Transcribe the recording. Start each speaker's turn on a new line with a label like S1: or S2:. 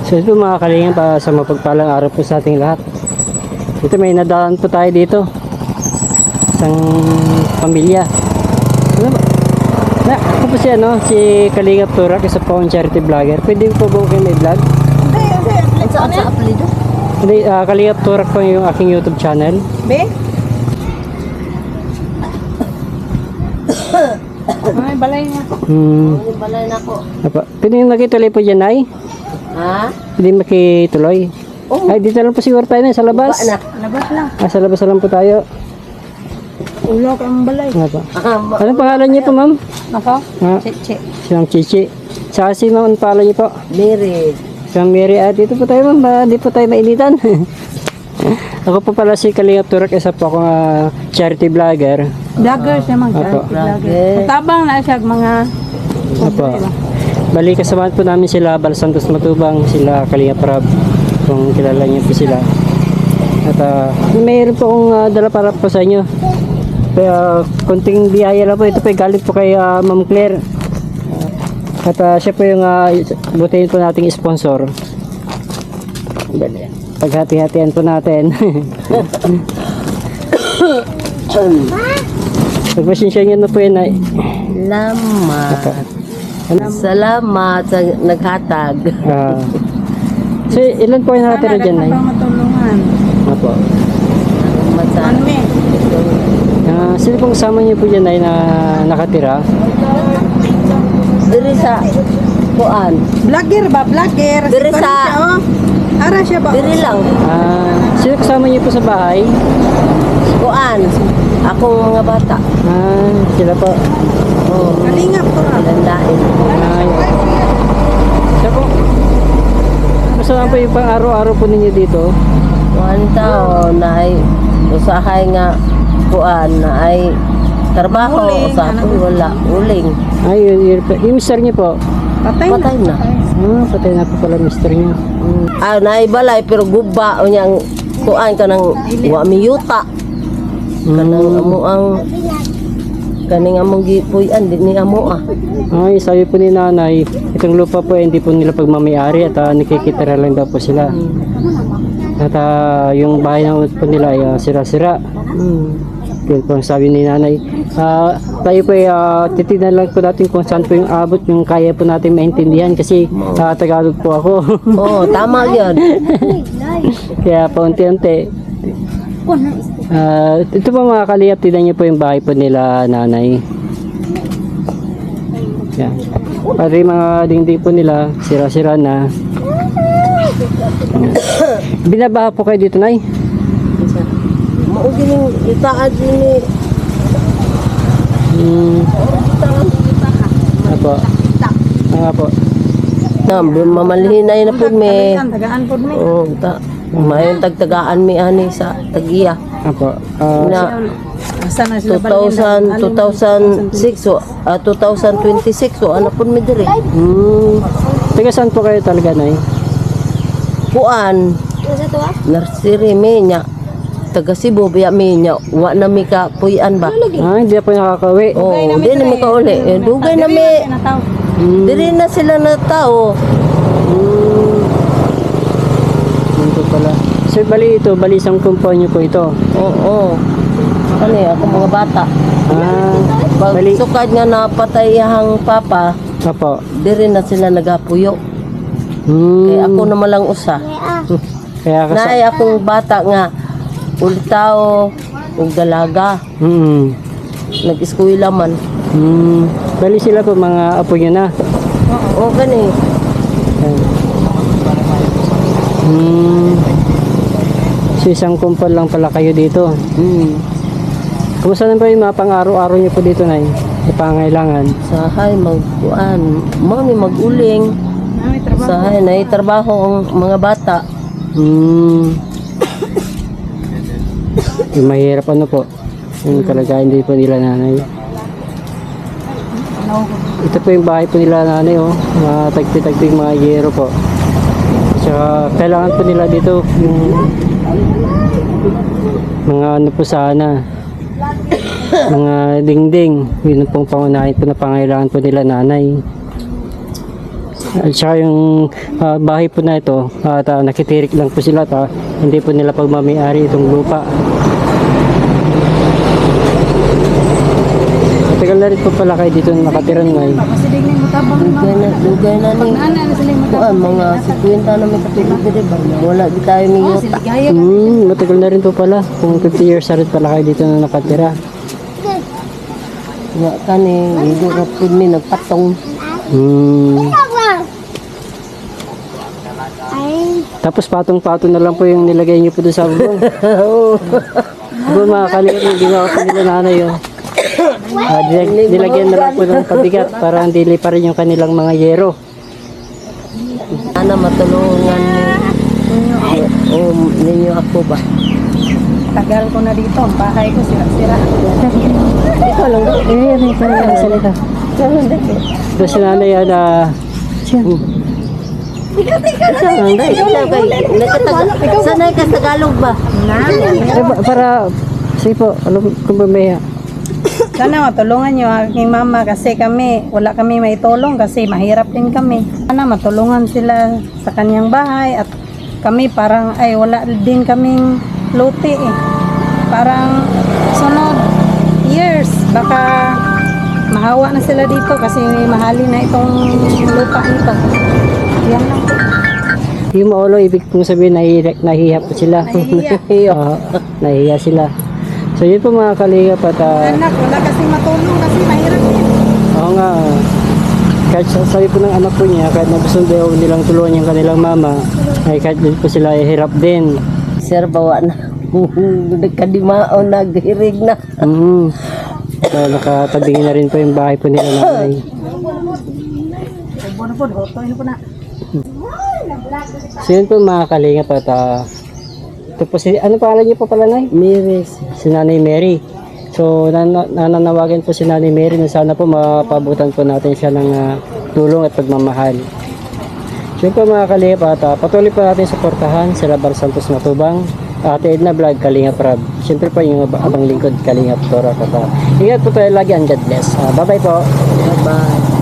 S1: So ito mga kalingan, para sa mapagpalang araw po sa ating lahat. Ito may nadaan po tayo dito. Isang pamilya. Ano ba? Ako po si si Kalingap Turak, isa po akong charity vlogger. Pwede po ba kayo may vlog?
S2: Hindi. Sa apelido?
S1: Hindi, Kalingap Turak po yung aking YouTube channel.
S2: Be? Ay, balay na.
S3: Yung balay na ko.
S1: Pwede yung makituloy po dyan, ay?
S3: Ha?
S1: Pwede makituloy.
S3: Oo.
S1: Ay, dito lang po siguro tayo na, sa labas.
S3: Anak.
S2: Labas lang.
S1: Sa labas lang po tayo.
S2: Ulo ka ang balay.
S1: Nga po. Anong pangalan niyo po, ma'am?
S2: Ako?
S1: Ah,
S2: Chichi.
S1: siyang Chichi. Sa si ma'am, anong pangalan niyo po?
S3: Mary.
S1: Siyang Mary. Dito po tayo, ma'am. Di po tayo mainitan. Ako po pala si Kalingap Turak, isa po akong charity vlogger.
S2: Vloggers naman ka.
S1: Apo.
S3: Vlogger.
S2: Matabang na siya mga...
S1: Opo. Bali, kasamahan po namin sila Bal Santos Matubang, sila Kalingap Rab, kung kilala niyo po sila. At mayroon po akong dala para po sa inyo. Kaya konting biyaya lang po. Ito po galing po kay Ma'am Claire. At siya po yung butihin po nating sponsor. Paghati-hatian po natin. Pagpasensya nyo na po yun ay.
S3: Salamat sa naghatag.
S1: So ilan po yung nakatira dyan ay?
S2: matulungan.
S1: Apo.
S3: Salamat sa
S2: Ano me?
S1: Sino pong kasama niyo po dyan ay na nakatira?
S3: diri sa kuan.
S2: Vlogger ba? Vlogger.
S3: Diri
S2: Si
S3: sa-
S2: Connie siya, oh. Ara siya ba?
S3: Diri lang.
S1: Sino kasama niyo po sa bahay?
S3: Kuan. Akong mga bata.
S1: Sila po.
S3: Oh,
S2: Kalingap to.
S3: landain.
S1: Siya po. Basta lang po yung pang araw-araw po ninyo dito.
S3: Kuan taon na ay usahay nga kuan na ay trabaho.
S2: Uling,
S3: Usapon wala. Uling.
S1: Yung mister niyo po.
S2: Patay na.
S3: Patay na.
S1: Patay na po pala mister niyo.
S3: Naibalay pero guba o niyang kuan ka ng wamiyuta. Kanang amo ang kaning among gipuy-an di ni amo ah.
S1: Ay, sabi po ni nanay, itong lupa po hindi po nila pagmamayari at nakikitira lang daw po sila. At yung bahay na po nila ay sira-sira. Yun po ang sabi ni nanay. Tayo po ay titignan lang po natin kung saan po yung abot, yung kaya po natin maintindihan kasi Tagalog po ako.
S3: Oo, tama 'yan.
S1: Kaya po unti-unti. Ito po mga kaliyap, tignan niyo po yung bahay po nila nanay. Yan. Pati mga dingding po nila, sira-sira na. Binabaha po kayo dito, nay?
S3: Mao gining itaad ni
S1: Apo. Apo.
S3: na mamalhinay na pud me.
S2: Tagaan po me.
S3: Oo, mayon tagtagaan mi ani sa tagiya.
S1: Apo.
S3: Na
S2: Asa na sila
S3: 2006 so 2026 so ano pud mi diri.
S1: Taga saan po kayo talaga, nay?
S3: Kuan. Nursery mi nya. Taga Cebu biya mi nya. Wa na mi ka puy-an ba?
S1: Hindi po nakakauwi.
S3: Oh, di na mi ka uli. Dugay na mi. Diri na sila na tao.
S1: Ito pala. So, bali isang kumpanya po ito.
S3: Oo. Ano ako mga bata. Pag
S1: Bali.
S3: sukad nga napatay ang papa,
S1: Apo.
S3: diri na sila nagapuyo.
S1: Hmm.
S3: Kaya ako naman lang usa.
S1: Kaya
S3: Naay akong bata nga ulitaw ug dalaga. Nag-eskwela man.
S1: Bali sila po mga apo nyo na.
S3: Oo, gani.
S1: So isang kumpal lang pala kayo dito. Kumusta na ba yung mga pang-araw-araw nyo po dito, nay? Pangailangan.
S3: Sahay magkuan, mami maguling. Sahay na trabaho ang mga bata.
S1: Yung mahirap ano po. Yung kalagayan din po nila nanay. Ito po yung bahay po nila nanay, oh. Mga tagpi-tagpi mga yero po. Tsaka kailangan po nila dito yung mga ano po sana. Mga dingding. Yun pong pangunahin po na pangailangan po nila nanay. At saka yung bahay po na ito, at nakitirik lang po sila, at hindi po nila pagmamayari itong lupa. Matagal na rin po pala kayo dito nakatira ngayon.
S2: Kasi di mo tabang
S3: Dugay na ni.
S2: Nana na sila mo
S3: Kuan mga 50 na may katulog diri ba. Wala di tayo may yuta.
S2: Gaya
S1: Matagal na rin po pala. Kung 50 years na rin pala kayo dito na nakatira.
S3: Nga kani, hindi na pud mi nagpatong.
S1: Tapos patong-patong na lang po yung nilagay niyo po doon sa bubong. Doon mga kaligap yung ginawa po nila nanay. Nilagyan na lang po ng pabigat para hindi pa rin yung kanilang mga yero.
S3: Ana matulungan ninyo ako ba?
S2: tagal ko na dito. Ang bahay ko sira-sira.
S3: Ikaw lang.
S1: May parang salita. Doon si nanay na
S3: Sanay ka sa Tagalog ba?
S1: para sige po, alam kung ba may
S2: Sana matulungan nyo aking mama kasi wala kami maitulong kasi mahirap din kami. Sana matulungan sila sa kanyang bahay at kami parang wala din kaming luti eh. Parang sunod years baka mahawa na sila dito kasi mahalin na itong lupa nito. Yan lang po.
S1: yung maulo, ibig kong sabihin nahihiya po sila.
S2: Nahihiya.
S1: Oo, nahihiya sila. So yun po mga kalingap at
S2: Anak, wala kasi matulong kasi mahirap din.
S1: oo nga, kahit sabi po ng anak po niya, kahit na gusto daw nilang tulungan yung kanilang mama, ay kahit din po sila ay hirap din.
S3: Sir, bawa na. Nagkadimao, naghirig na.
S1: So nakatabingin na rin po yung bahay po nila nanay.
S2: Buwan na po, hotoy na po na.
S1: So yun po mga kalingap at ito po si, ano pangalan niyo po pala nay?
S3: Miris.
S1: Si Nanay Mary. So nananawagan po si Nanay Mary na sana po mapabutan po natin siya ng tulong at pagmamahal. So yun po mga kalingap at patuloy po natin suportahan sila Bal Santos Matubang, Ate Edna Vlog, Kalingap Rab. Siyempre po yung abang lingkod Kalingap Tora. Ingat po tayo lagi and God bless. Bye bye po.
S3: Bye-bye.